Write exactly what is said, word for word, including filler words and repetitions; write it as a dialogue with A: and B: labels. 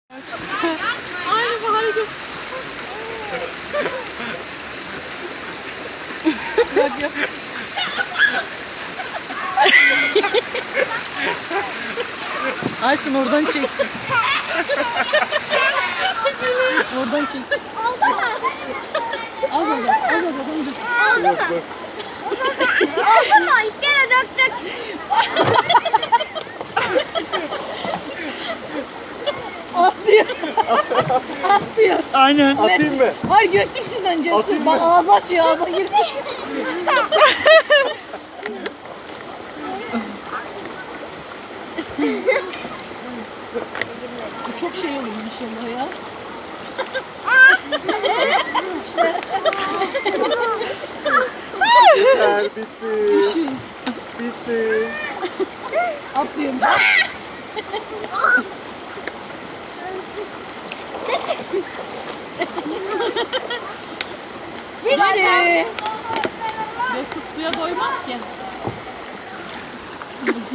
A: Aynı bu hareket. Bak yap. Ayşin oradan çek. Oradan çek. Az az az az az dur.
B: Yok bak.
C: Oldu mu? İlk kere döktük.
A: Atlıyor. Atlıyor.
D: Aynen.
B: Atayım mı?
A: Hayır götürsün önce.
B: Atayım
A: Bak
B: mı?
A: ağzı açıyor, ağza girdi. Bu çok şey olur inşallah ya.
B: Yeter, bitti.
A: Düşün.
B: Bitti.
A: Atlıyorum. Bitti. Göktuğ suya doymaz ki.